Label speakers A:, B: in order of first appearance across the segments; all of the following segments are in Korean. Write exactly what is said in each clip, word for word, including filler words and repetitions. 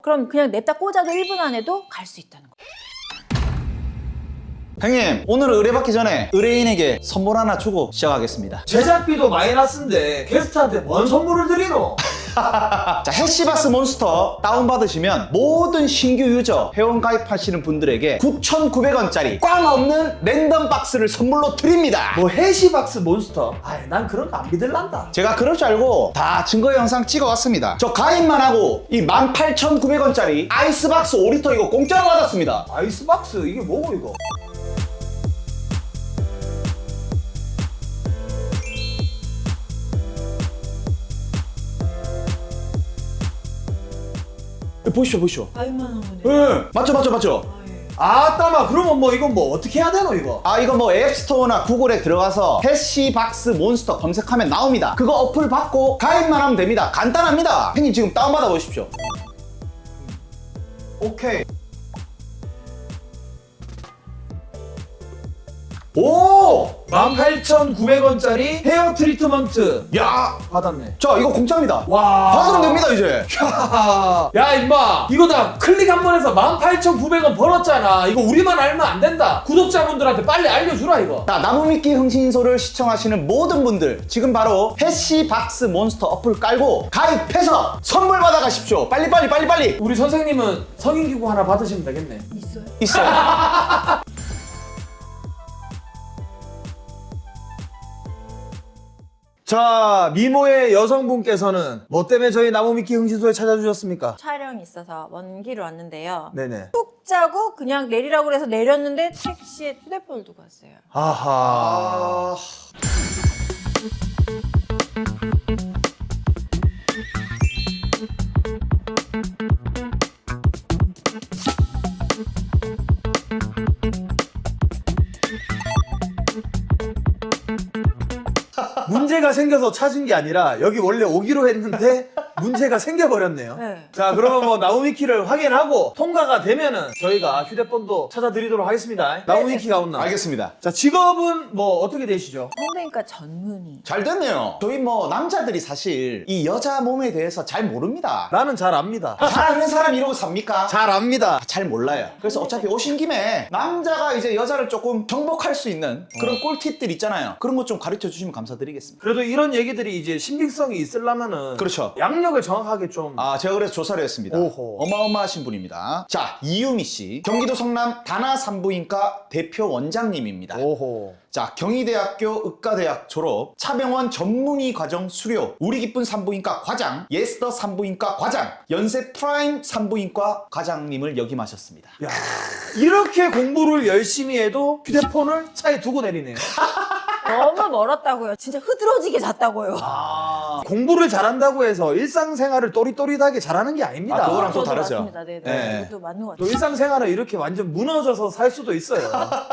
A: 그럼 그냥 냅다 꽂아도 일 분 안에도 갈 수 있다는 거예요.
B: 형님, 오늘 의뢰받기 전에 의뢰인에게 선물 하나 주고 시작하겠습니다.
C: 제작비도 마이너스인데 게스트한테 뭔 선물을 드리노?
B: 자, 해시박스 몬스터 다운받으시면 모든 신규 유저 회원 가입하시는 분들에게 구천구백 원짜리 꽝 없는 랜덤 박스를 선물로 드립니다.
C: 뭐 해시박스 몬스터? 아이 난 그런 거 안 믿을란다.
B: 제가 그럴 줄 알고 다 증거 영상 찍어왔습니다. 저 가입만 하고 이 만 팔천구백 원짜리 아이스박스 오 리터 이거 공짜로 받았습니다.
C: 아이스박스 이게 뭐고 이거?
B: 보시죠, 보시죠.
A: 아이만 원에.
B: 네. 맞죠, 맞죠, 맞죠.
C: 아따마 그러면 뭐 이건 뭐 어떻게 해야 되노 이거?
B: 아, 이거 뭐 앱스토어나 구글에 들어가서 해시박스 몬스터 검색하면 나옵니다. 그거 어플 받고 가입만 하면 됩니다. 간단합니다. 형님 지금 다운받아 보십시오. 오케이. 오!
C: 만 팔천구백 원짜리 헤어 트리트먼트
B: 야!
C: 받았네.
B: 자, 이거 공짜입니다.
C: 와.
B: 받으면 됩니다, 이제.
C: 야 임마 이거 다 클릭 한 번 해서 만 팔천구백 원 벌었잖아. 이거 우리만 알면 안 된다. 구독자분들한테 빨리 알려주라 이거.
B: 자, 나무미끼 흥신소를 시청하시는 모든 분들 지금 바로 해시박스 몬스터 어플 깔고 가입해서 선물 받아가십시오. 빨리 빨리 빨리 빨리.
C: 우리 선생님은 성인기구 하나 받으시면 되겠네.
A: 있어요?
B: 있어요.
C: 자, 미모의 여성분께서는 뭐 때문에 저희 나무미끼 흥신소에 찾아주셨습니까?
A: 촬영이 있어서 먼 길을 왔는데요.
C: 네네.
A: 푹 자고 그냥 내리라고 그래서 내렸는데 택시에 휴대폰을 두고 왔어요.
C: 아하.
B: 아...
C: 문제가 생겨서 찾은 게 아니라 여기 원래 오기로 했는데 문제가 생겨버렸네요.
A: 네.
C: 자, 그러면 뭐 나무미키를 확인하고 통과가 되면은 저희가 휴대폰도 찾아드리도록 하겠습니다. 나무미키가 온나?
B: 알겠습니다.
C: 자, 직업은 뭐 어떻게 되시죠?
A: 성대인과 전문의.
B: 잘 됐네요. 저희 뭐 남자들이 사실 이 여자 몸에 대해서 잘 모릅니다.
C: 나는 잘 압니다.
B: 잘 아는 사람 이러고 삽니까?
C: 잘 압니다.
B: 잘 몰라요. 그래서 어차피 오신 김에 남자가 이제 여자를 조금 정복할 수 있는 그런 꿀팁들 있잖아요. 그런 것 좀 가르쳐 주시면 감사드리겠습니다.
C: 그래도 이런 얘기들이 이제 신빙성이 있으려면은
B: 그렇죠.
C: 양력을 정확하게 좀.
B: 아, 제가 그래서 조사를 했습니다.
C: 오호.
B: 어마어마하신 분입니다. 자, 이유미 씨. 경기도 성남 다나 산부인과 대표 원장님입니다.
C: 오호.
B: 자, 경희대학교 의과대학 졸업, 차병원 전문의 과정 수료, 우리 기쁜 산부인과 과장, 예스더 산부인과 과장, 연세 프라임 산부인과 과장님을 역임하셨습니다.
C: 야, 이렇게 공부를 열심히 해도 휴대폰을 차에 두고 내리네요.
A: 너무 멀었다고요. 진짜 흐드러지게 잤다고요.
B: 아,
C: 공부를 잘한다고 해서 일상생활을 또릿또릿하게 잘하는 게 아닙니다.
B: 아, 그거랑 또
A: 저도
B: 다르죠.
A: 맞습니다. 네, 네.
B: 네.
A: 그것도 맞는 것
C: 또
A: 같아요.
C: 일상생활을 이렇게 완전 무너져서 살 수도 있어요.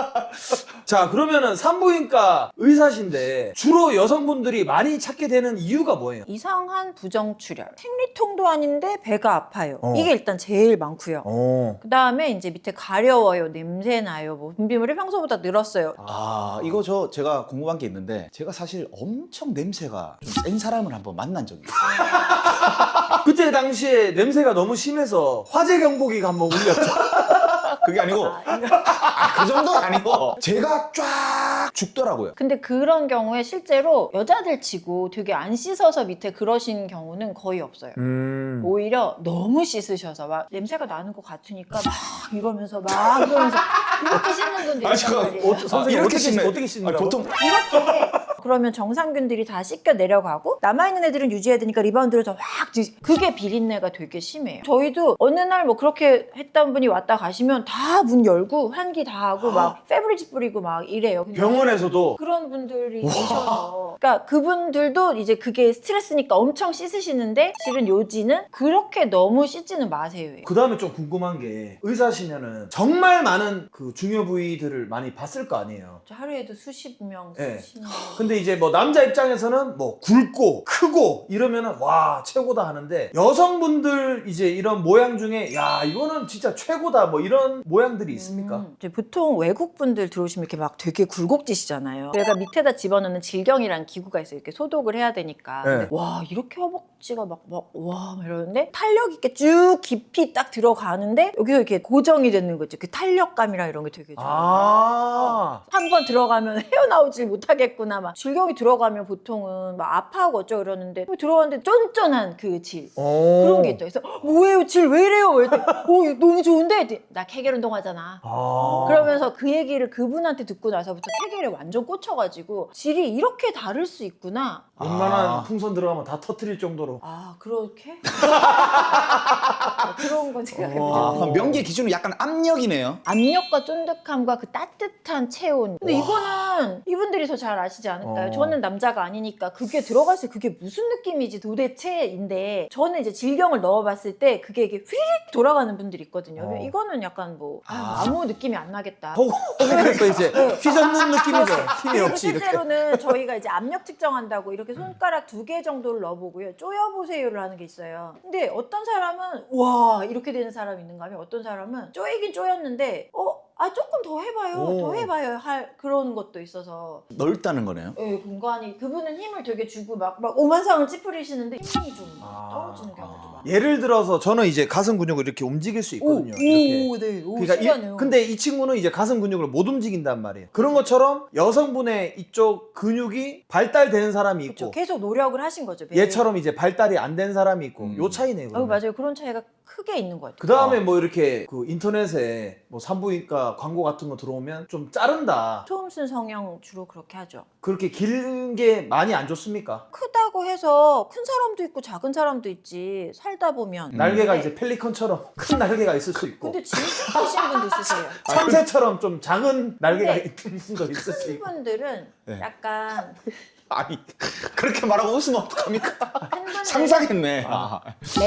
C: 자, 그러면은 산부인과 의사신데 주로 여성분들이 많이 찾게 되는 이유가 뭐예요?
A: 이상한 부정출혈. 생리통도 아닌데 배가 아파요.
C: 어.
A: 이게 일단 제일 많고요.
C: 어.
A: 그 다음에 이제 밑에 가려워요, 냄새 나요, 뭐 분비물이 평소보다 늘었어요.
B: 아, 이거 저 제가 궁금한 게 있는데 제가 사실 엄청 냄새가 좀 센 사람을 한번 만난 적이 있어요.
C: 그때 당시에 냄새가 너무 심해서 화재 경보기가 한번 울렸죠.
B: 그게 아니고 아, 그 정도는 아니고 제가 쫙 죽더라고요.
A: 근데 그런 경우에 실제로 여자들 치고 되게 안 씻어서 밑에 그러신 경우는 거의 없어요.
C: 음.
A: 오히려 너무 씻으셔서 막 냄새가 나는 것 같으니까 막 이러면서 막 이러면서 이렇게 씻는 분들이
B: 아,
A: 있단
B: 잠깐.
A: 말이에요.
C: 어, 선생님 어떻게 씻-
B: 씻네.
C: 어떻게 씻는다고?
B: 아니, 보통
A: 이렇게 그러면 정상균들이 다 씻겨 내려가고 남아있는 애들은 유지해야 되니까 리바운드를 더 확 그게 비린내가 되게 심해요. 저희도 어느 날 뭐 그렇게 했던 분이 왔다 가시면 다 문 열고 환기 다 하고 막 페브리즈 뿌리고 막 이래요. 근데
C: 병원에서도
A: 그런 분들이 계셔서 그러니까 그분들도 이제 그게 스트레스니까 엄청 씻으시는데 실은 요지는 그렇게 너무 씻지는 마세요.
C: 그 다음에 좀 궁금한 게 의사시면은 정말 많은 그 중요 부위들을 많이 봤을 거 아니에요.
A: 저 하루에도 수십 명,
C: 네.
A: 수십 명.
C: 근데 근데 이제 뭐 남자 입장에서는 뭐 굵고 크고 이러면은 와 최고다 하는데 여성분들 이제 이런 모양 중에 야 이거는 진짜 최고다 뭐 이런 모양들이 있습니까?
A: 음, 이제 보통 외국 분들 들어오시면 이렇게 막 되게 굴곡지시잖아요. 얘가 밑에다 집어넣는 질경이라는 기구가 있어요. 이렇게 소독을 해야 되니까.
C: 네.
A: 근데 와 이렇게 허벅지가 막막와 이러는데 탄력 있게 쭉 깊이 딱 들어가는데 여기서 이렇게 고정이 되는 거죠. 그 탄력감이랑 이런 게 되게 좋아요.
C: 아
A: 한 번 들어가면 헤어나오질 못하겠구나. 막 질경이 들어가면 보통은 막 아파하고 어쩌고 이러는데 들어갔는데 쫀쫀한 그 질.
C: 오.
A: 그런 게 있다. 그래서 뭐예요? 질 왜 이래요? 왜 이래? 오 너무 좋은데? 했더니 나 케겔 운동하잖아.
C: 아.
A: 그러면서 그 얘기를 그분한테 듣고 나서부터 케겔에 완전 꽂혀가지고 질이 이렇게 다를 수 있구나.
C: 웬만한
B: 아.
C: 풍선 들어가면 다 터트릴 정도로
A: 아 그렇게? 아, 그런 건 생각해보자.
B: 아, 그럼 명기의 기준은 약간 압력이네요.
A: 압력과 쫀득함과 그 따뜻한 체온. 근데 이거는 이분들이 더 잘 아시지 않을까요?
C: 어.
A: 저는 남자가 아니니까 그게 들어갔을 때 그게 무슨 느낌이지 도대체인데 저는 이제 질경을 넣어봤을 때 그게 이게 휘릭 돌아가는 분들이 있거든요.
C: 어.
A: 이거는 약간 뭐
B: 아.
A: 아무 느낌이 안 나겠다.
C: 호구 호구에서 이제 휘젓는 느낌이죠. 힘이
A: 그리고
C: 없이 이렇게.
A: 실제로는 저희가 이제 압력 측정한다고 이렇게 손가락 두 개 정도를 넣어보고요. 쪼여보세요를 하는 게 있어요. 근데 어떤 사람은 와 이렇게 되는 사람이 있는가 하면 어떤 사람은 쪼이긴 쪼였는데 어? 아 조금 더 해봐요.
C: 오.
A: 더 해봐요. 할 그런 것도 있어서
B: 넓다는 거네요.
A: 예, 공간이 그분은 힘을 되게 주고 막, 막 오만상을 찌푸리시는데 힘이 좀
C: 아.
A: 떨어지는 경우도 많아요.
C: 예를 들어서 저는 이제 가슴 근육을 이렇게 움직일 수 있거든요.
A: 오,
C: 이렇게.
A: 오, 네. 오,
C: 그러니까
A: 신기하네요.
C: 이, 근데 이 친구는 이제 가슴 근육을 못 움직인단 말이에요. 그런 것처럼 여성분의 이쪽 근육이 발달되는 사람이 있고
A: 그렇죠. 계속 노력을 하신 거죠. 매일.
C: 얘처럼 이제 발달이 안 된 사람이 있고
B: 음.
C: 요 차이네요.
A: 어,
C: 그러면.
A: 맞아요. 그런 차이가 크게 있는 것 같아요.
C: 그 다음에
B: 어.
C: 뭐 이렇게 그 인터넷에 뭐 산부인과 광고 같은 거 들어오면 좀 자른다.
A: 초음순 성형 주로 그렇게 하죠.
C: 그렇게 긴 게 많이 안 좋습니까?
A: 크다고 해서 큰 사람도 있고 작은 사람도 있지 살다 보면
B: 음.
C: 날개가
A: 네.
C: 이제 펠리컨처럼 큰 날개가 있을 수 있고
A: 근데 진짜 크신 분도 있으세요.
C: 참새처럼 좀 작은 날개가
A: 근데
C: 있는 분도 있을 수
A: 큰
C: 있고
A: 분들은
B: 네.
A: 약간
B: 아니 그렇게 말하고 웃으면 어떡합니까?
A: 큰 분들은
B: 상상했네. 아.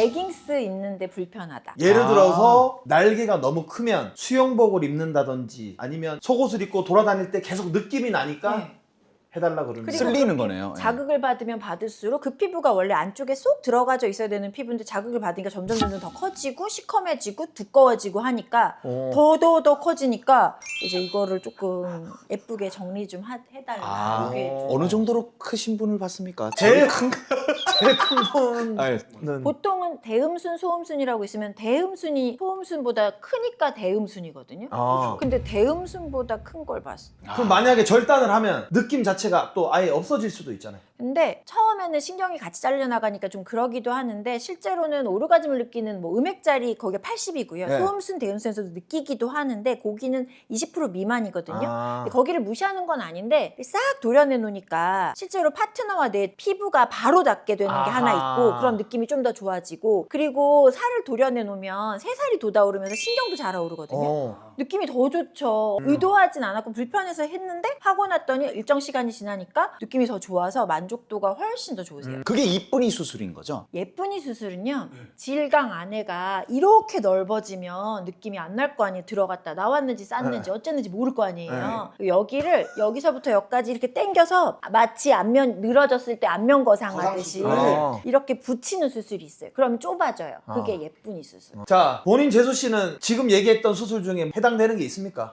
A: 레깅스 입는데 불편하다.
C: 예를
B: 아.
C: 들어서 날개가 너무 크면 수영복을 입는다든지 아니면 속옷을 입고 돌아다닐 때 계속 느낌이 나니까
A: 네.
C: 해달라 그러는
A: 그리고
C: 거예요.
B: 쓸리는
A: 그렇게
B: 거네요. 예.
A: 자극을 받으면 받을수록 그 피부가 원래 안쪽에 쏙 들어가져 있어야 되는 피부인데 자극을 받으니까 점점 점점 더 커지고 시커매지고 두꺼워지고 하니까
C: 어.
A: 더 더 더 커지니까 이제 이거를 조금 예쁘게 정리 좀 하- 해달라.
B: 아,
A: 이게 좀
B: 어느 정도로 크신 분을 봤습니까?
C: 제일 큰 제일 큰 분은
B: 아니,
A: 보통은 대음순, 소음순이라고 있으면 대음순이 소음순보다 크니까 대음순이거든요.
C: 아.
A: 근데 대음순보다 큰 걸 봤어.
C: 그럼 만약에 절단을 하면 느낌 자체가 또 아예 없어질 수도 있잖아요.
A: 근데 처음에는 신경이 같이 잘려나가니까 좀 그러기도 하는데 실제로는 오르가즘을 느끼는 뭐 음액짜리 거기가 팔십이고요.
C: 네.
A: 소음순, 대음순에서도 느끼기도 하는데 거기는 이십 퍼센트 미만이거든요.
C: 아.
A: 근데 거기를 무시하는 건 아닌데 싹 도려내 놓으니까 실제로 파트너와 내 피부가 바로 닿게 되는 게
C: 아하.
A: 하나 있고 그런 느낌이 좀 더 좋아지고 그리고 살을 도려내 놓으면 새살이 돋아오르면서 신경도 잘 오르거든요.
C: 어.
A: 느낌이 더 좋죠.
C: 음.
A: 의도하진 않았고 불편해서 했는데 하고 났더니 일정 시간이 지나니까 느낌이 더 좋아서 만족도가 훨씬 더 좋으세요.
C: 음.
B: 그게 이쁜이 수술인 거죠?
A: 예쁜이 수술은요
C: 네.
A: 질강 안에가 이렇게 넓어지면 느낌이 안 날 거 아니에요. 들어갔다 나왔는지 쌌는지
C: 네.
A: 어쨌는지 모를 거 아니에요. 여기를 여기서부터 여기까지 이렇게 당겨서 마치 안면 늘어졌을 때 안면 거상하듯이
C: 아.
A: 이렇게 붙이는 수술이 있어요. 그러면 좁아져요. 그게
C: 아.
A: 예쁜이 수술.
C: 자, 본인 재수 씨는 지금 얘기했던 수술 중에 해당되는 게 있습니까?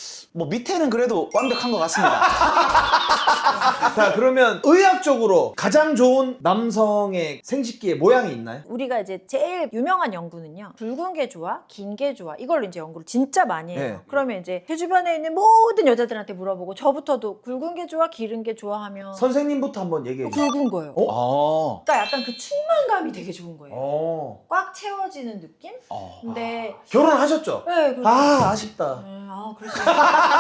B: 뭐 밑에는 그래도 완벽한 것 같습니다.
C: 자, 그러면 의학적으로 가장 좋은 남성의 생식기의 모양이 있나요?
A: 우리가 이제 제일 유명한 연구는요. 굵은 게 좋아, 긴 게 좋아. 이걸로 이제 연구를 진짜 많이 해요.
C: 네.
A: 그러면 이제 제 주변에 있는 모든 여자들한테 물어보고 저부터도 굵은 게 좋아, 길은 게 좋아하면
C: 선생님부터 한번 얘기해 주세요.
A: 굵은 거예요.
C: 어?
B: 어.
A: 그러니까 약간 그 충만감이 되게 좋은 거예요.
C: 어.
A: 꽉 채워지는 느낌?
B: 어.
A: 근데
C: 결혼하셨죠?
A: 네, 그렇죠.
C: 아, 아쉽다.
A: 네, 아, 그러시구나.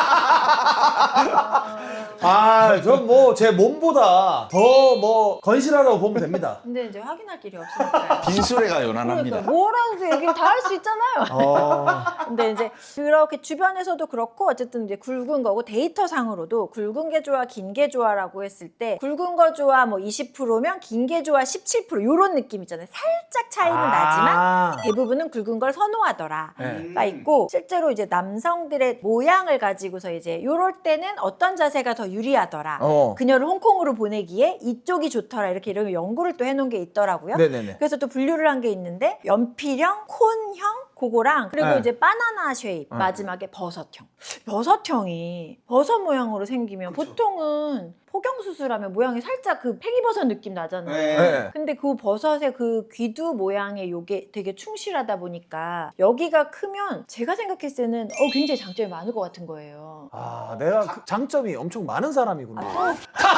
A: 아,
C: 아, 전 뭐 제 몸보다 더 뭐 건실하다고 보면 됩니다.
A: 근데 이제 확인할 길이 없으니까.
B: 빈수레가 연한합니다.
A: 그러니까 뭐라도 얘기를 다 할 수 있잖아요.
C: 어.
A: 근데 이제 그렇게 주변에서도 그렇고 어쨌든 이제 굵은 거고 데이터상으로도 굵은 게 좋아 긴 게 좋아라고 했을 때 굵은 거 좋아 뭐 이십 퍼센트면 긴 게 좋아 십칠 퍼센트 요런 느낌 있잖아요. 살짝 차이는 나지만
C: 아.
A: 대부분은 굵은 걸 선호하더라.
C: 네.
A: 가 있고 실제로 이제 남성들의 모양을 가지고서 이제 요럴 때는 어떤 자세가 더 유리하더라.
C: 어. 어.
A: 그녀를 홍콩으로 보내기에 이쪽이 좋더라 이렇게 이런 연구를 또 해놓은 게 있더라고요.
C: 네네네.
A: 그래서 또 분류를 한 게 있는데 연필형, 콘형, 그거랑 그리고
C: 네.
A: 이제 바나나 쉐입
C: 네.
A: 마지막에 버섯형. 버섯형이 버섯 모양으로 생기면
C: 그쵸.
A: 보통은 포경 수술하면 모양이 살짝 그 팽이버섯 느낌 나잖아요.
C: 네.
A: 근데 그 버섯의 그 귀두 모양의 요게 되게 충실하다 보니까 여기가 크면 제가 생각했을 때는 어 굉장히 장점이 많을 것 같은 거예요.
C: 아, 내가 그 장점이 엄청 많은 사람이구나.
A: 아,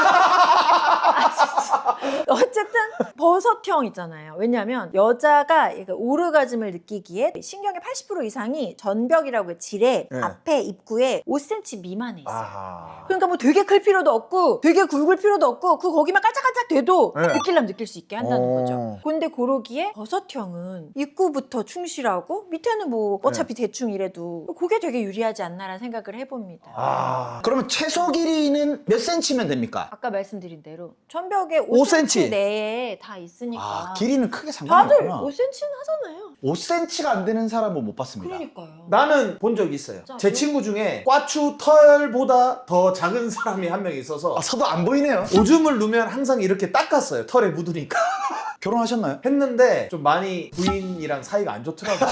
A: 어쨌든 버섯형 있잖아요. 왜냐하면 여자가 이렇게 오르가즘을 느끼기에 신경의 팔십 퍼센트 이상이 전벽이라고 해 질에
C: 네.
A: 앞에 입구에 오 센티미터 미만에 있어요.
C: 아하.
A: 그러니까 뭐 되게 클 필요도 없고 되게 굵을 필요도 없고 그 거기만 깔짝깔짝 돼도
C: 네.
A: 느낄라면 느낄 수 있게 한다는
C: 어.
A: 거죠. 근데 그러기에 버섯형은 입구부터 충실하고 밑에는 뭐 어차피 대충 이래도 그게 되게 유리하지 않나라는 생각을 해봅니다.
C: 아.
B: 그러면 최소 길이는 몇 센치면 됩니까?
A: 아까 말씀드린 대로 천벽에
C: 오
A: 오
C: 센티미터
A: 센티미터 내에 다 있으니까
B: 아, 길이는 크게 상관이
A: 다들
B: 없구나.
A: 오 센티미터는 하잖아요.
B: 오 센티미터가 안 되는 사람은 못 봤습니다.
A: 그러니까요.
C: 나는 본 적이 있어요.
A: 진짜?
C: 제 친구 중에 꽈추 털보다 더 작은 사람이 한 명 있어서
B: 아, 서도 안 보이네요.
C: 오줌을 누면 항상 이렇게 닦았어요. 털에 묻으니까.
B: 결혼하셨나요?
C: 했는데 좀 많이 부인이랑 사이가 안 좋더라고요.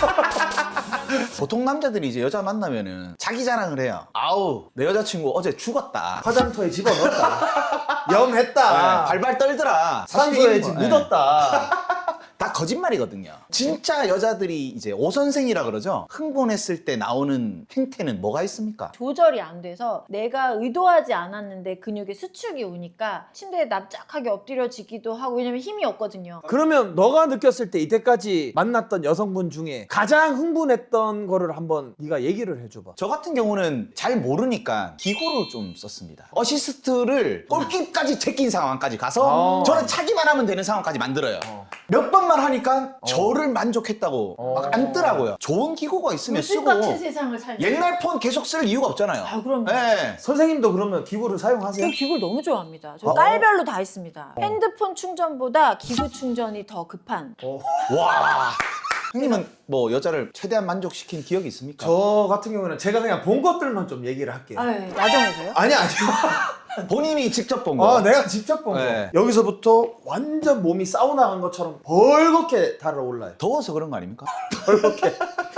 B: 보통 남자들이 이제 여자 만나면은 자기 자랑을 해요. 아우, 내 여자친구 어제 죽었다.
C: 화장터에 집어넣었다. 염했다.
B: 네, 발발 떨더라.
C: 산소에
B: 사실
C: 지
B: 네.
C: 묻었다.
B: 다 거짓말이거든요. 진짜 여자들이 이제 오선생이라 그러죠. 흥분했을 때 나오는 행태는 뭐가 있습니까?
A: 조절이 안 돼서 내가 의도하지 않았는데 근육에 수축이 오니까 침대에 납작하게 엎드려지기도 하고 왜냐면 힘이 없거든요.
C: 그러면 너가 느꼈을 때 이때까지 만났던 여성분 중에 가장 흥분했던 거를 한번 네가 얘기를 해줘봐.
B: 저 같은 경우는 잘 모르니까 기구를 좀 썼습니다. 어시스트를 골키까지 제낀 상황까지 가서
C: 아.
B: 저는 차기만 하면 되는 상황까지 만들어요.
C: 어.
B: 몇 번만 하니까
C: 어.
B: 저를 만족했다고
C: 어.
B: 막 앉더라고요. 좋은 기구가 있으면
A: 물빛
B: 쓰고
A: 같은 세상을 살고
B: 옛날 폰 계속 쓸 이유가 없잖아요.
A: 아 그럼요.
B: 네.
C: 선생님도 그러면 기구를 사용하세요?
A: 저 기구를 너무 좋아합니다. 저
C: 어.
A: 깔별로 다 있습니다. 핸드폰 충전보다 기구 충전이 더 급한.
C: 어.
B: 와. 형님은 뭐 여자를 최대한 만족시킨 기억이 있습니까?
C: 저 같은 경우는 제가 그냥 본 것들만 좀 얘기를 할게요.
A: 아, 예. 야동에서요?
C: 아니 아니.
B: 본인이 직접 본 거.
C: 아, 내가 직접 본 거.
B: 네.
C: 여기서부터 완전 몸이 사우나 간 것처럼 벌겋게 달아올라요.
B: 더워서 그런 거 아닙니까?
C: 벌겋게.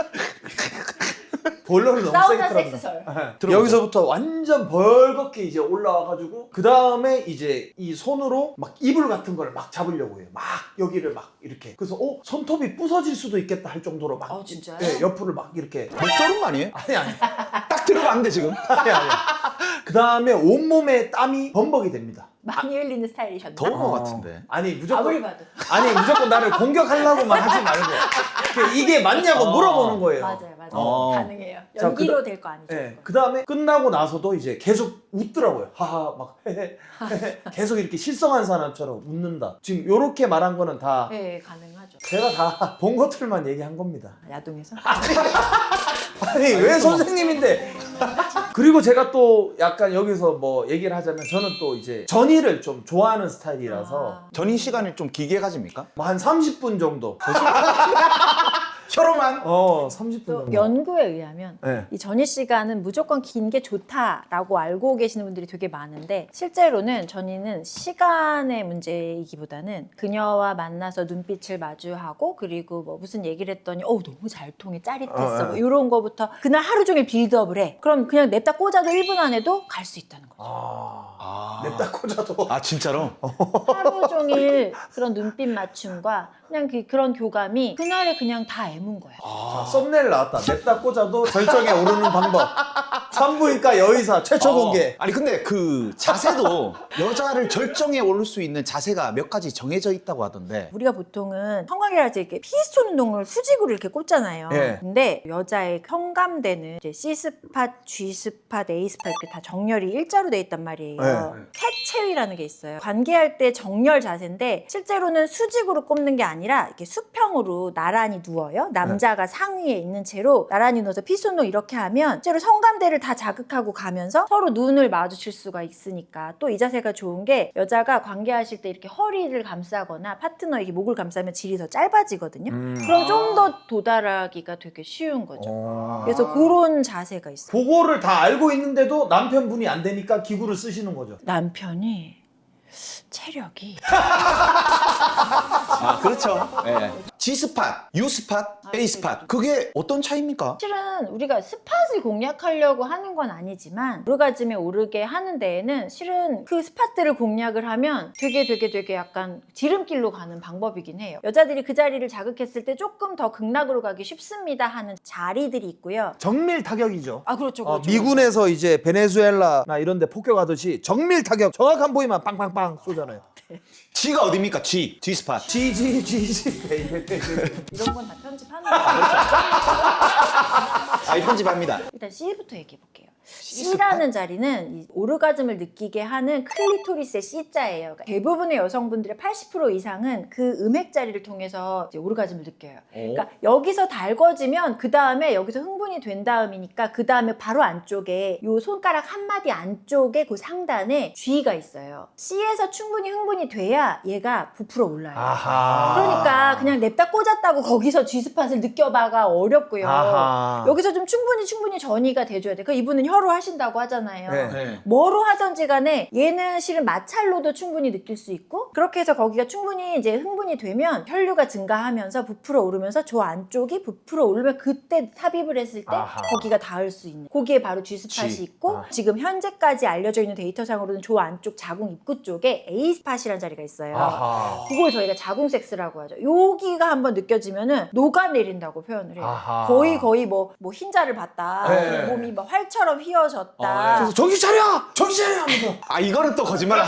C: 볼러를 너무 세게
A: 사우나
C: 틀었나.
A: 섹스설.
C: 네. 여기서부터 완전 벌겋게 이제 올라와가지고 그 다음에 이제 이 손으로 막 이불 같은 걸 막 잡으려고 해요. 막 여기를 막 이렇게. 그래서 어 손톱이 부서질 수도 있겠다 할 정도로 막.
A: 아, 진짜요?
C: 네, 옆으로 막 이렇게.
B: 목조른 거 아니에요?
C: 아니 아니
B: 딱 들으면 안 돼 지금.
C: 아니 아니. 그 다음에 온몸에 땀이 범벅이 됩니다.
A: 많이 흘리는 스타일이셨나?
B: 더운 거
C: 어.
B: 같은데.
C: 아니
A: 아무리
C: 무조건
A: 봐도.
C: 아니 무조건 나를 공격하려고만 하지 말고 그 이게 맞냐고
B: 어.
C: 물어보는 거예요.
A: 맞아요, 맞아요.
B: 어.
A: 가능해요.
C: 자,
A: 연기로
C: 그다-
A: 될 거 아니죠?
C: 네. 그 다음에 끝나고 나서도 이제 계속 웃더라고요. 하하 막 헤헤 헤헤. 계속 이렇게 실성한 사람처럼 웃는다. 지금 요렇게 말한 거는 다
A: 네, 가능하죠.
C: 제가 다 본 것들만 얘기한 겁니다.
A: 야동에서?
C: 아니 왜 선생님인데? 그리고 제가 또 약간 여기서 뭐 얘기를 하자면 저는 또 이제 전의를 좀 좋아하는 스타일이라서
A: 아.
B: 전이 시간을 좀 길게 가집니까?
C: 뭐 한 삼십 분 정도.
B: 혀로만?
C: 어 삼십 분
A: 또
C: 정도.
A: 연구에 의하면
C: 네.
A: 이 전이 시간은 무조건 긴 게 좋다라고 알고 계시는 분들이 되게 많은데 실제로는 전이는 시간의 문제이기보다는 그녀와 만나서 눈빛을 마주하고 그리고 뭐 무슨 얘기를 했더니 어 너무 잘 통해 짜릿했어
C: 어,
A: 뭐
C: 네.
A: 이런 거부터 그날 하루 종일 빌드업을 해. 그럼 그냥 냅다 꽂아도 일 분 안에도 갈 수 있다는 거죠.
C: 아,
B: 아.
C: 냅다 꽂아도.
B: 아 진짜로?
A: 하루 종일 그런 눈빛 맞춤과 그냥 그, 그런 교감이 그날에 그냥 다 애문 거야.
C: 자, 썸네일 나왔다. 냅다 꽂아도 절정에 오르는 방법. 산부인과 여의사 최초 공개.
B: 어. 아니 근데 그 자세도 여자를 절정에 오를 수 있는 자세가 몇 가지 정해져 있다고 하던데.
A: 우리가 보통은 성관계를 할 때 이렇게 피스톤 운동을 수직으로 이렇게 꽂잖아요.
C: 예.
A: 근데 여자의 현감대는 이제 C 스팟, G 스팟, A 스팟 이렇게 다 정렬이 일자로 돼 있단 말이에요.
C: 예.
A: 캣체위라는 게 있어요. 관계할 때 정렬 자세인데 실제로는 수직으로 꼽는 게 아니라 이렇게 수평으로 나란히 누워요. 남자 의자가 상위에 있는 채로 나란히 누워서 피손으로 이렇게 하면 실제로 성감대를 다 자극하고 가면서 서로 눈을 마주칠 수가 있으니까 또 이 자세가 좋은 게 여자가 관계하실 때 이렇게 허리를 감싸거나 파트너에게 목을 감싸면 질이 더 짧아지거든요.
C: 음.
A: 그럼 좀 더 도달하기가 되게 쉬운 거죠.
C: 어.
A: 그래서 그런 자세가 있어요.
C: 그거를 다 알고 있는데도 남편분이 안 되니까 기구를 쓰시는 거죠.
A: 남편이 체력이
B: 아, 그렇죠. 예. G스팟, U스팟, A스팟. 그게 어떤 차이입니까?
A: 실은 우리가 스팟을 공략하려고 하는 건 아니지만 오르가즘에 오르게 하는 데에는 실은 그 스팟들을 공략을 하면 되게 되게 되게 약간 지름길로 가는 방법이긴 해요. 여자들이 그 자리를 자극했을 때 조금 더 극락으로 가기 쉽습니다 하는 자리들이 있고요.
C: 정밀 타격이죠.
A: 아 그렇죠.
C: 어,
A: 그렇죠.
C: 미군에서 이제 베네수엘라나 이런 데 폭격하듯이 정밀 타격 정확한 부위만 빵빵빵 쏘잖아요.
B: G가 어딥니까? G, G스팟.
C: 지지 지지 베이베
A: 이런 건 다 편집하는 거예요.
B: 아, 이 편집합니다.
A: 일단 C부터 얘기해 볼게요. C라는 자리는 이 오르가즘을 느끼게 하는 클리토리스의 C자예요. 그러니까 대부분의 여성분들의 팔십 퍼센트 이상은 그 음액 자리를 통해서 이제 오르가즘을 느껴요. 그러니까 여기서 달궈지면 그 다음에 여기서 흥분이 된 다음이니까 그 다음에 바로 안쪽에 요 손가락 한 마디 안쪽에 그 상단에 G가 있어요. C에서 충분히 흥분이 돼야 얘가 부풀어 올라요.
C: 아하.
A: 그러니까 그냥 냅다 꽂았다고 거기서 G스팟을 느껴봐가 어렵고요.
C: 아하.
A: 여기서 좀 충분히 충분히 전이가 돼줘야 돼. 그 이분은 혀로 하신다고 하잖아요.
C: 네.
B: 네.
A: 뭐로 하든지 간에 얘는 실은 마찰로도 충분히 느낄 수 있고 그렇게 해서 거기가 충분히 이제 흥분이 되면 혈류가 증가하면서 부풀어 오르면서 저 안쪽이 부풀어 오르면 그때 삽입을 했을 때
C: 아하.
A: 거기가 닿을 수 있는 거기에 바로 G스팟이
B: G.
A: 있고
C: 아.
A: 지금 현재까지 알려져 있는 데이터상으로는 저 안쪽 자궁 입구 쪽에 A스팟이라는 자리가 있어요.
C: 아하.
A: 그걸 저희가 자궁 섹스라고 하죠. 여기가 한번 느껴지면은 녹아내린다고 표현을 해요.
C: 아하.
A: 거의 거의 뭐, 뭐 흰자를 봤다.
C: 네.
A: 몸이 막 활처럼 휘어졌다.
B: 어,
C: 그래서 정신 차려! 정신 차려! 하면서
B: 아, 이거는 또 거짓말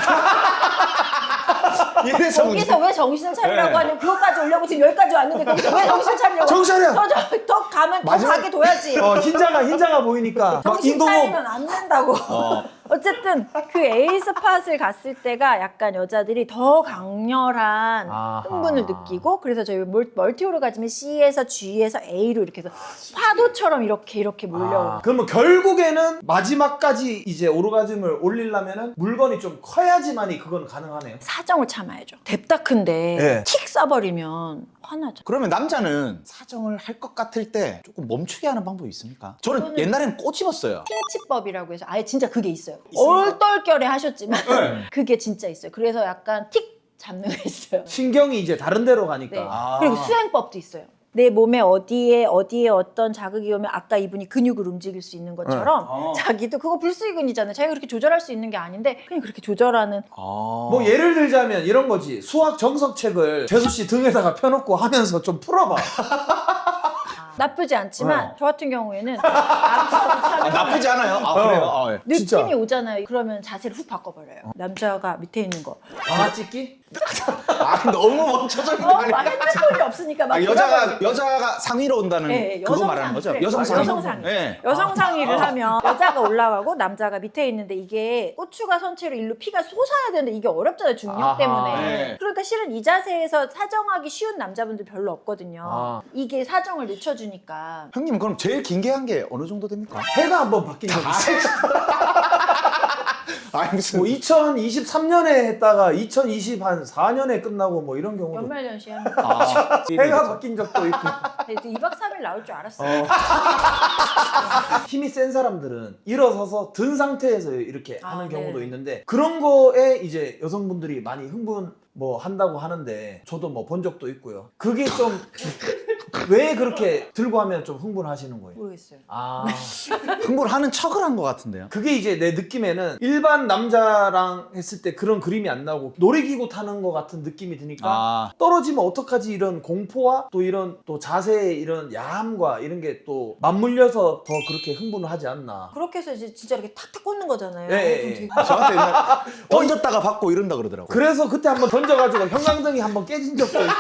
B: 같아. 이래서
A: 거기서 왜 정신을 차리라고
B: 네.
A: 하냐면 그것까지 오려고 지금 여기까지 왔는데 거기서 왜 정신을 차리려고
C: 정신 차려!
A: 더, 더, 더 가면 더
B: 마지막-
A: 가게 둬야지.
C: 어, 흰자가 흰자가 보이니까 막
A: 정신
C: 인공호흡
A: 차리면 안 된다고.
B: 어.
A: 어쨌든 그 A 스팟을 갔을 때가 약간 여자들이 더 강렬한
C: 아하.
A: 흥분을 느끼고 그래서 저희 멀- 멀티 오르가즘이 C에서 G에서 A로 이렇게 해서 파도처럼 이렇게 이렇게 몰려오는
C: 아, 그러면 결국에는 마지막까지 이제 오르가즘을 올리려면은 물건이 좀 커야지만이 그건 가능하네요.
A: 사정을 참아야죠. 뎁다 큰데
C: 네.
A: 틱 쏴버리면 화나죠.
B: 그러면 남자는 사정을 할 것 같을 때 조금 멈추게 하는 방법이 있습니까? 저는
A: 그거는-
B: 옛날에는 꼬집었어요.
A: 핑치법이라고 해서 아예 진짜 그게 있어요.
B: 있습니까?
A: 얼떨결에 하셨지만
B: 네.
A: 그게 진짜 있어요. 그래서 약간 틱 잡는 거 있어요.
C: 신경이 이제 다른 데로 가니까.
A: 네.
B: 아.
A: 그리고 수행법도 있어요. 내 몸에 어디에 어디에 어떤 자극이 오면 아까 이분이 근육을 움직일 수 있는 것처럼
B: 어.
A: 자기도 그거 불수의근이잖아요. 자기가 그렇게 조절할 수 있는 게 아닌데 그냥 그렇게 조절하는
B: 아.
C: 뭐 예를 들자면 이런 거지. 수학 정석책을 재수 씨 등에다가 펴놓고 하면서 좀 풀어봐.
A: 나쁘지 않지만
C: 어.
A: 저 같은 경우에는 남자가
B: 아,
A: 하면
B: 나쁘지 않아요. 아,
C: 어.
B: 그래요? 아, 예.
A: 느낌이
C: 진짜.
A: 오잖아요. 그러면 자세를 훅 바꿔버려요. 남자가 밑에 있는 거.
C: 방아 찍기?
B: 아, 너무 멈춰져 있는
A: 어,
B: 거 아니야?
A: 막 핸드폰이 없으니까 막
B: 아, 여자가
A: 들어가지고.
B: 여자가 상위로 온다는
A: 네,
B: 그거
A: 여성
B: 말하는
A: 상위.
B: 거죠?
A: 그래,
B: 여성 상위.
A: 여성 상위.
B: 네.
A: 여성 상의를 하면 여자가 올라가고 남자가 밑에 있는데 이게 고추가 선체로 일로 피가 솟아야 되는데 이게 어렵잖아요. 중력
C: 아하,
A: 때문에.
B: 네.
A: 그러니까 실은 이 자세에서 사정하기 쉬운 남자분들 별로 없거든요.
C: 아.
A: 이게 사정을 늦춰주니까.
B: 형님 그럼 제일 긴 게 한 게 어느 정도 됩니까?
C: 해가 한번 바뀐 적 있어.
B: 아, 무슨
C: 뭐 이천이십삼 년에 했다가 이천이십사 년에 끝나고 뭐 이런 경우도
A: 연말연시 하면
B: 아,
C: 해가 바뀐 적도 있고.
A: 이 박 삼 일 나올 줄 알았어요.
C: 어. 힘이 센 사람들은 일어서서 든 상태에서 이렇게
A: 아,
C: 하는 경우도
A: 네.
C: 있는데 그런 거에 이제 여성분들이 많이 흥분 뭐 한다고 하는데 저도 뭐 본 적도 있고요. 그게 좀 왜 그렇게 들고 하면 좀 흥분하시는 거예요?
A: 모르겠어요.
C: 아,
B: 흥분하는 척을 한 것 같은데요.
C: 그게 이제 내 느낌에는 일반 남자랑 했을 때 그런 그림이 안 나오고 놀이기구 타는 것 같은 느낌이 드니까
B: 아,
C: 떨어지면 어떡하지 이런 공포와 또 이런 또 자세의 이런 야함과 이런 게 또 맞물려서 더 그렇게 흥분을 하지 않나.
A: 그렇게 해서 이제 진짜 이렇게 탁탁 꽂는 거잖아요.
C: 예, 예,
A: 그럼
C: 예.
A: 되게-
B: 저한테 옛날 던졌다가 받고 이런다 그러더라고요.
C: 그래서 그때 한번 던져가지고 형광등이 한번 깨진 적도 있고.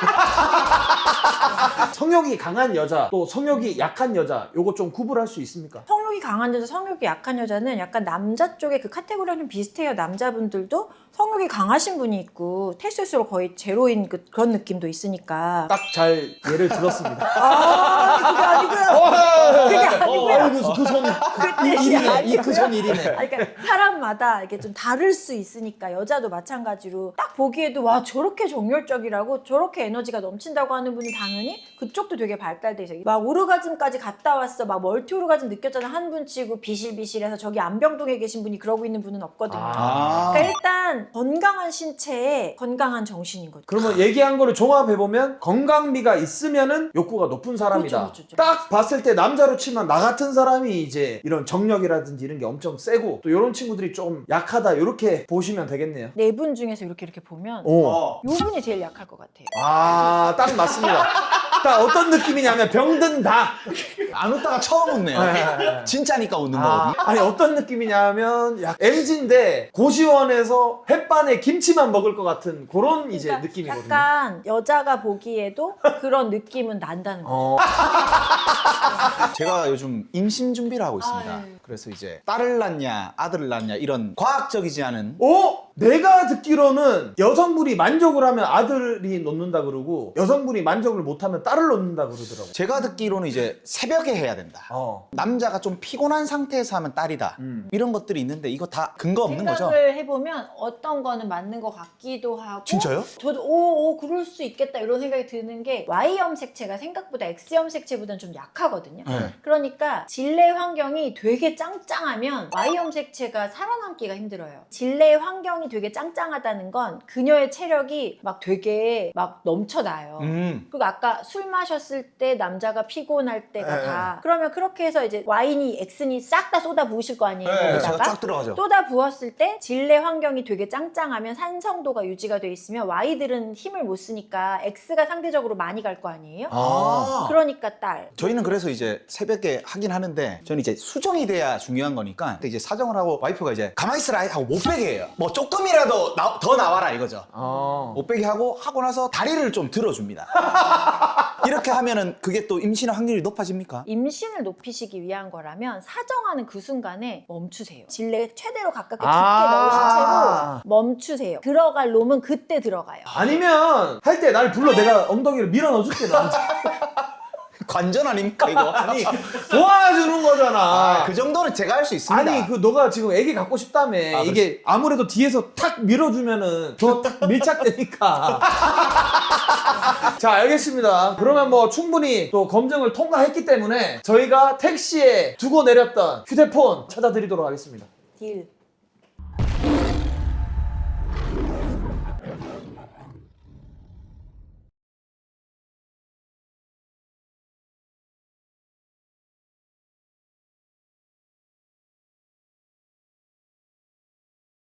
C: 성욕이 강한 여자 또 성욕이 약한 여자 요거 좀 구분할 수 있습니까?
A: 성욕이 강한 여자, 성욕이 약한 여자는 약간 남자 쪽에 그 카테고리랑 좀 비슷해요. 남자분들도 성욕이 강하신 분이 있고 테스토스테론 거의 제로인 그, 그런 느낌도 있으니까.
C: 딱 잘 예를 들었습니다.
A: 아,
C: 일이네. 이 그 전 일이네.
A: 아니, 그러니까 사람마다 이게 좀 다를 수 있으니까 여자도 마찬가지로 딱 보기에도 와 저렇게 정열적이라고 저렇게 에너지가 넘친다고 하는 분은 당연히 그쪽도 되게 발달돼 있어요. 막 오르가즘까지 갔다 왔어, 막 멀티 오르가즘 느꼈잖아 한 분 치고 비실비실해서 저기 안병동에 계신 분이 그러고 있는 분은 없거든요.
B: 아.
A: 그러니까 일단 건강한 신체에 건강한 정신인 거죠.
C: 그러면 얘기한 거를 종합해보면 건강미가 있으면은 욕구가 높은 사람이다.
A: 그렇죠, 그렇죠, 그렇죠.
C: 딱 봤을 때 남자로 치면 나 같은 사람이 이제 이런 정력이라든지 이런 게 엄청 세고 또 이런 친구들이 좀 약하다 이렇게 보시면 되겠네요.
A: 네 분 중에서 이렇게 이렇게 보면
C: 오.
B: 어.
A: 요 분이 제일 약할 것 같아요.
C: 아, 딱 맞습니다. 딱 어떤 느낌이냐면 병든 닭.
B: 안 웃다가 처음 웃네요.
C: 네.
B: 진짜니까 웃는
C: 아,
B: 거거든요.
C: 아니 어떤 느낌이냐면 약 엠지인데 고시원에서 햇반에 김치만 먹을 것 같은 그런 이제
A: 그러니까
C: 느낌이거든요.
A: 약간 여자가 보기에도 그런 느낌은 난다는 거죠.
C: 어.
B: 제가 요즘 임신 준비를 하고 있습니다.
A: 아, 네.
B: 그래서 이제 딸을 낳냐 아들을 낳냐 이런 과학적이지 않은
C: 어? 내가 듣기로는 여성분이 만족을 하면 아들이 놓는다 그러고 여성분이 만족을 못하면 딸을 놓는다 그러더라고.
B: 제가 듣기로는 이제 새벽에 해야 된다.
C: 어.
B: 남자가 좀 피곤한 상태에서 하면 딸이다.
C: 음.
B: 이런 것들이 있는데 이거 다 근거 없는 거죠?
A: 생각을 해보면 어떤 거는 맞는 것 같기도 하고
B: 진짜요?
A: 저도 오, 오 그럴 수 있겠다 이런 생각이 드는 게 Y 염색체가 생각보다 X 염색체보다는 좀 약하거든요.
B: 네.
A: 그러니까 질내 환경이 되게 짱짱하면 Y 염색체가 살아남기가 힘들어요. 질내 환경이 되게 짱짱하다는 건 그녀의 체력이 막 되게 막 넘쳐나요.
B: 음.
A: 그리고 아까 술 마셨을 때 남자가 피곤할 때가
C: 네.
A: 다 그러면 그렇게 해서 이제 와인이 X니 싹 다 쏟아 부으실 거 아니에요.
B: 네, 제가
A: 거기다가
B: 쫙 들어가죠.
A: 쏟아 부었을 때 질내 환경이 되게 짱짱하면 산성도가 유지가 돼 있으면 Y들은 힘을 못 쓰니까 X가 상대적으로 많이 갈 거 아니에요.
B: 아.
A: 그러니까 딸.
B: 저희는 그래서 이제 새벽에 하긴 하는데 저는 이제 수정이 돼야 중요한 거니까 이제 사정을 하고 와이프가 이제 가만히 있으라 하고 못 빼게 해요. 뭐 조금이라도 나- 더 나와라 이거죠.
C: 어.
B: 못 빼게 하고 하고 나서 다리를 좀 들어줍니다. 이렇게 하면은 그게 또 임신의 확률이 높아집니까?
A: 임신을 높이시기 위한 거라면 사정하는 그 순간에 멈추세요. 질내 최대로 가깝게 깊게
C: 아.
A: 넣으신 채로 멈추세요. 들어갈 놈은 그때 들어가요.
C: 아니면 할 때 날 불러 내가 엉덩이를 밀어 넣어줄게 너한테.
B: 관전 아닙니까 이거?
C: 아니 도와주는 거잖아.
B: 아, 그 정도는 제가 할 수 있습니다.
C: 아니 그 너가 지금 애기 갖고 싶다며.
B: 아,
C: 이게 아무래도 뒤에서 탁 밀어주면은 더 딱 밀착되니까. 자 알겠습니다. 그러면 뭐 충분히 또 검증을 통과했기 때문에 저희가 택시에 두고 내렸던 휴대폰 찾아드리도록 하겠습니다.
A: 딜.